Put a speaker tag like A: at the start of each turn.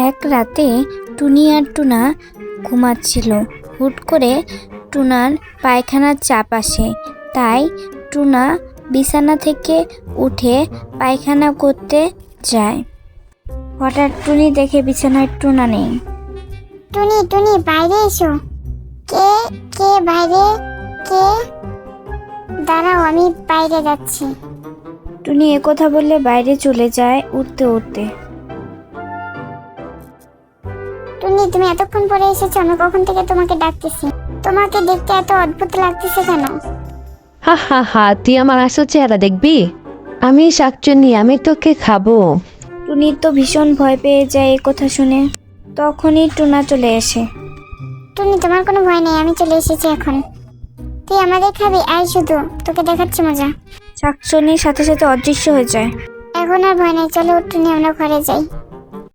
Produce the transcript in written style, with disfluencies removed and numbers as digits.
A: এক রাতে টুনি আর টুনা ঘুমাচ্ছিল। হুট করে টুনার পায়খানার চাপ আসে, তাই টুনা বিছানা থেকে উঠে পায়খানা করতে যায়। হঠাৎ টুনি দেখে বিছানায় টুনা নেই।
B: টুনি টুনি বাইরে এসো। কে কে বাইরে? কে? দাঁড়াও, আমি বাইরে যাচ্ছি।
A: টুনি একথা বললে বাইরে চলে যায় উঠতে উঠতে।
B: টুনি, তুমি এতক্ষণ পরে এসেছো? আমি কখন থেকে তোমাকে ডাকতেছি। তোমাকে দেখতে এত অদ্ভুত লাগতেছে কেন?
C: হা হা হা, তুই আমার আসল চেহারা দেখবি? আমি শাকচুন্নি, আমি তোকে খাবো।
A: টুনি তো ভীষণ ভয় পেয়ে যায় এ কথা শুনে। তখনই টুনা চলে আসে।
B: টুনি, তোমার কোনো ভয় নেই, আমি চলে এসেছি এখন। তুই আমাদের খাবি? আয়, শুধু তোকে দেখাচ্ছি মজা।
A: শাকচুন্নির সাথে সাথে অদৃশ্য হয়ে যায়।
B: এখন আর ভয় নেই, চলো টুনি, আমরা ঘরে যাই।